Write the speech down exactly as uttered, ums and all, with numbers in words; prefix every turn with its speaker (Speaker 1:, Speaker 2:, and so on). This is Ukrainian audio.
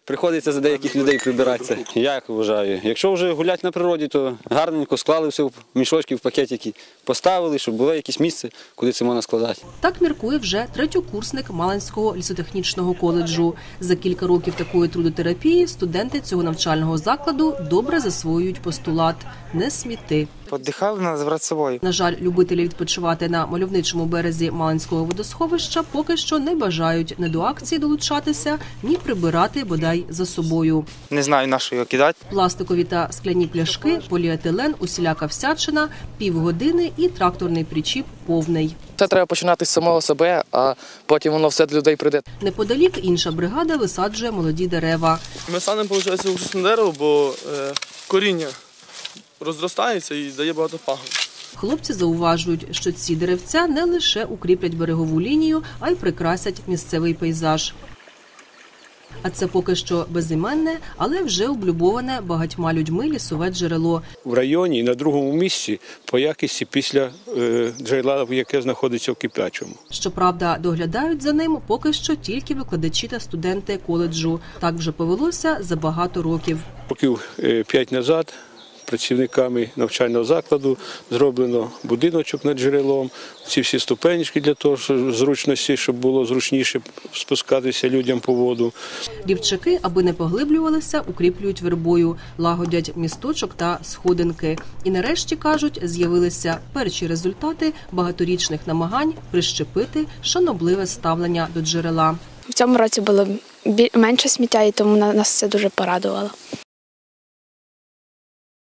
Speaker 1: Приходиться за деяких людей прибиратися. Я як вважаю, якщо вже гуляти на природі, то гарненько склали все в мішочки, в пакетики, поставили, щоб було якесь місце, куди це можна складати.
Speaker 2: Так міркує вже третьокурсник Малинського лісотехнічного коледжу. За кілька років такої трудотерапії студенти цього навчального закладу добре засвоюють постулат «не сміти».
Speaker 3: Подихали, треба забрати з собою.
Speaker 2: На жаль, любителі відпочивати на мальовничому березі Малинського водосховища поки що не бажають ні до акції долучатися, ні прибирати бодай за собою.
Speaker 3: Не знаю, на що його кидати.
Speaker 2: Пластикові та скляні пляшки, поліетилен, усіляка всячина, півгодини і тракторний причіп повний.
Speaker 4: Це треба починати з самого себе, а потім воно все до людей прийде.
Speaker 2: Неподалік інша бригада висаджує молоді дерева.
Speaker 5: Ми садимо, виходить, ужасне дерево, бо е, коріння розростається і дає багато пагон.
Speaker 2: Хлопці зауважують, що ці деревця не лише укріплять берегову лінію, а й прикрасять місцевий пейзаж. А це поки що безіменне, але вже облюбоване багатьма людьми лісове джерело.
Speaker 6: В районі і на другому місці по якості після е, джерела, яке знаходиться в Кип'ячому.
Speaker 2: Щоправда, доглядають за ним поки що тільки викладачі та студенти коледжу. Так вже повелося за багато років.
Speaker 6: Років е, п'ять назад працівниками навчального закладу зроблено будиночок над джерелом, ці всі ступенечки для того, щоб зручності, щоб було зручніше спускатися людям по воду.
Speaker 2: Рівчаки, аби не поглиблювалися, укріплюють вербою, лагодять місточок та сходинки. І нарешті, кажуть, з'явилися перші результати багаторічних намагань прищепити шанобливе ставлення до джерела.
Speaker 7: В цьому році було менше сміття, і тому нас це дуже порадувало.